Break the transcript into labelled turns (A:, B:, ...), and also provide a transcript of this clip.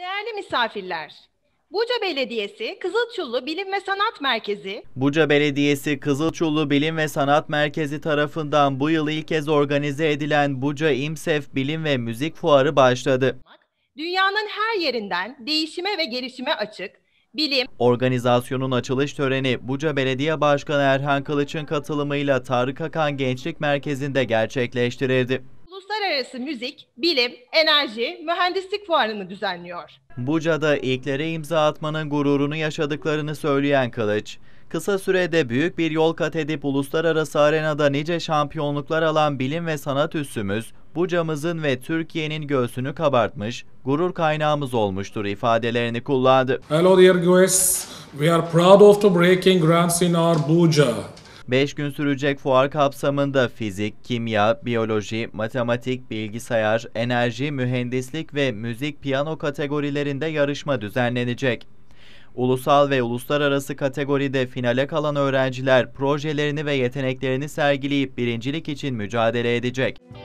A: Değerli misafirler, Buca Belediyesi Kızılçullu Bilim ve Sanat Merkezi,
B: Buca Belediyesi Kızılçullu Bilim ve Sanat Merkezi tarafından bu yıl ilk kez organize edilen Buca İMSEF Bilim ve Müzik Fuarı başladı.
A: dünyanın her yerinden değişime ve gelişime açık, bilim,
B: Organizasyonun açılış töreni Buca Belediye Başkanı Erhan Kılıç'ın katılımıyla Tarık Akan Gençlik Merkezi'nde gerçekleştirildi.
A: uluslararası müzik, bilim, enerji, mühendislik fuarını düzenliyor.
B: Buca'da ilklere imza atmanın gururunu yaşadıklarını söyleyen Kılıç, kısa sürede büyük bir yol kat edip uluslararası arenada nice şampiyonluklar alan bilim ve sanat üssümüz, Buca'mızın ve Türkiye'nin göğsünü kabartmış, gurur kaynağımız olmuştur ifadelerini kullandı.
C: Hello dear guests, we are proud of the breaking grounds in our Buca.
B: 5 gün sürecek fuar kapsamında fizik, kimya, biyoloji, matematik, bilgisayar, enerji, mühendislik ve müzik piyano kategorilerinde yarışma düzenlenecek. Ulusal ve uluslararası kategoride finale kalan öğrenciler projelerini ve yeteneklerini sergileyip birincilik için mücadele edecek.